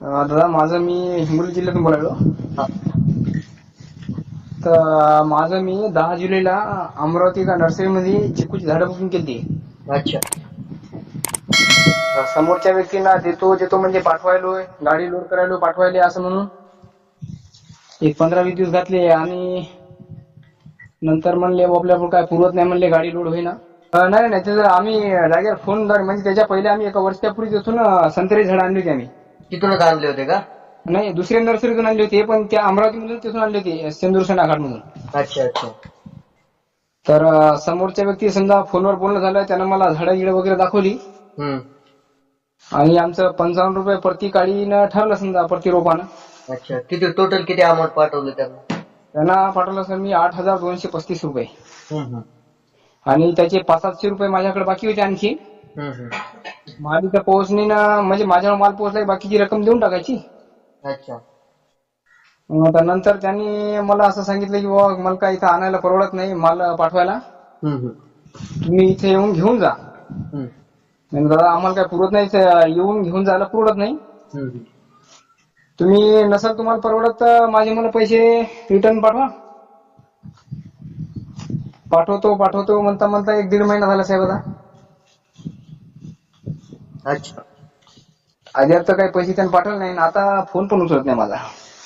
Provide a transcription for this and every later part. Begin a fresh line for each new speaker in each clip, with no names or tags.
दादा माझं मी हिंगोली जिल्ह्यातून बोलायलो.
हा.
तर माझं मी 10 जुलैला अमरावती का नर्सरीमध्ये चिकूची झाडं बुकिंग केली.
अच्छा.
समोरच्या व्यक्तींना देतो देतो म्हणजे पाठवायलोय, गाडी लोड करायलो पाठवायले असं म्हणून एक 15-20 दिवस घातले आणि नंतर म्हणले आपल्याकडून काय पुरवत नाही म्हणले, गाडी लोड होईना. नाही नाही त्याचं आम्ही जागेवर फोन म्हणजे त्याच्या पहिले आम्ही एका वर्षापूर्वी तिथून संत्र्याची झाडं आणली होती आम्ही.
तिथूनच आणले होते का?
नाही दुसऱ्या नर्सरीतून आणली होती, पण त्या अमरावतीमधून तिथून आणली होती, सिंदूर घाटमधून.
अच्छा अच्छा.
तर समोरच्या व्यक्ती समजा फोनवर बोलणं झालं, त्यानं मला झाडं गिडं वगैरे दाखवली आणि आमचं 55 रुपये प्रति काळीनं ठरलं समजा प्रति रोपानं.
अच्छा. किती टोटल किती अमाऊंट पाठवलं त्यांना?
त्यांना पाठवलं सर मी 8,235 रुपये आणि त्याचे 500-700 रुपये माझ्याकडे बाकी होते आणखी. माल इथं पोहोचणी ना म्हणजे माझ्यावर माल पोहोचला बाकीची रक्कम देऊन टाकायची.
अच्छा.
नंतर त्यांनी मला असं सांगितलं की बाबा मला काय इथं आणायला परवडत नाही माल पाठवायला, तुम्ही इथे येऊन घेऊन जा. दादा आम्हाला काय पुरत नाही, येऊन घेऊन जायला पुरत नाही. तुम्ही नसेल तुम्हाला परवडत तर माझे मला पैसे रिटर्न पाठवा. पाठवतो म्हणता म्हणता 1-1.5 महिना झाला साहेब आता.
अच्छा.
अद्याप तर काही पैसे त्यांनी पाठवले नाही, आता फोन पण उचलत नाही माझा.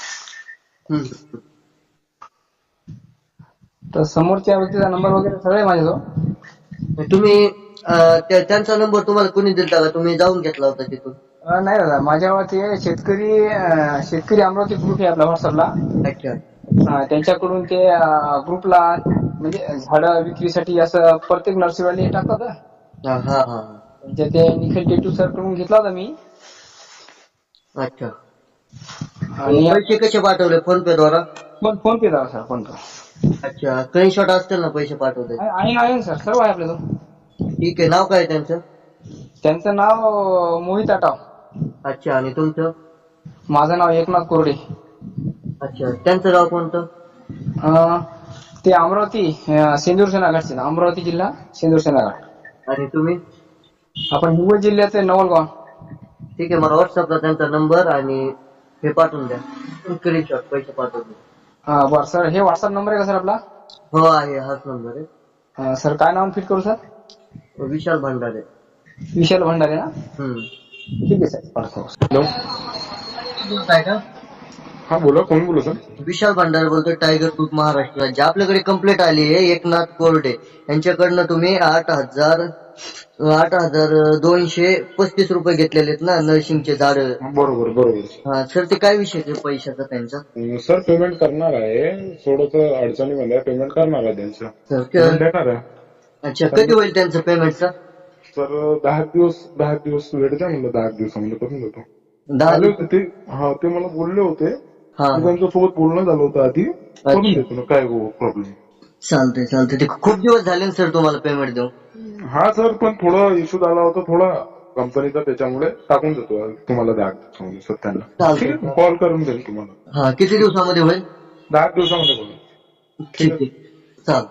तर समोरच्या व्यक्तीचा नंबर वगैरे सगळे माझ्याजवळ.
तुम्ही त्यांचा नंबर तुम्हाला कोणी दिलता का? तुम्ही जाऊन घेतला होता तिथून?
नाही दादा माझ्यावर ते शेतकरी अमरावती ग्रुप आहे आपला व्हॉट्सअपला.
अच्छा.
त्यांच्याकडून ते ग्रुपला म्हणजे झाडं विक्रीसाठी असं प्रत्येक नर्सरीवाले टाकतात. म्हणजे ते निखिल टेटू सर कडून घेतला होता मी.
अच्छा.
आणि
पैसे कसे पाठवले? फोन पे द्वारा?
फोन पे दादा सर, फोन पे.
अच्छा. स्क्रीनशॉट असतील ना पैसे पाठवले?
आहे सर, सर्व आहे आपल्याजवळ.
ठीक आहे. नाव काय त्यांचं?
त्यांचं नाव मोहित आटाव.
अच्छा. आणि तुमचं?
माझं नाव एकनाथ कोरडे.
अच्छा. त्यांचं गाव कोणतं?
ते अमरावती सिंदूर सेनाघाटचे, अमरावती जिल्हा सिंदूर सेनाघाट.
आणि तुम्ही?
आपण हिंगोली जिल्ह्याचे नवलगाव.
ठीक आहे. मला व्हॉट्सअपला त्यांचा नंबर आणि हे पाठवून द्या, स्क्रीनशॉट पैसे पाठवून द्या.
बरं सर, हे व्हॉट्सअप नंबर आहे का सर आपला?
हो आहे, हाच नंबर आहे.
सर काय नाव फिट करू सर?
विशाल भंडारे.
विशाल भंडारे ना? ठीक आहे सर, पाठवतो.
हॅलो,
काय का?
हा बोला, कोण बोलू सर?
विशाल भंडारे बोलतोय, टायगर ग्रुप महाराष्ट्र राज्य. आपल्याकडे कंप्लेंट आली आहे एकनाथ कोरडे यांच्याकडनं. तुम्ही 8,235 रुपये घेतलेले आहेत ना नर्सिंगचे झाड?
बरोबर बरोबर.
हा सर, ते काय विषय पैशाचा त्यांचा?
सर पेमेंट करणार आहे, थोडस अडचणीमध्ये पेमेंट करणार आहे त्यांचं.
सर
पेमेंट देणार आहे.
अच्छा. कधी होईल त्यांचं पेमेंटचं?
सर 10 दिवस वेळ द्या म्हणलं, 10 दिवसामध्ये करून देतो.
10
आले होते ते, ते मला बोलले होते.
हा.
त्यांच्यासोबत बोलणं झालं होतं आधी, करून देतो ना, काय प्रॉब्लेम.
चालतंय. ते खूप दिवस झाले सर तुम्हाला पेमेंट देऊ.
हा सर, पण थोडा इश्यू झाला होता थोडा कंपनीचा, त्याच्यामुळे टाकून देतो तुम्हाला 10 दिवसामध्ये सर त्यांना. ठीक आहे, कॉल करून देईल तुम्हाला.
हा. किती दिवसामध्ये होईल?
10 दिवसामध्ये बोला.
ठीक आहे. चालतं.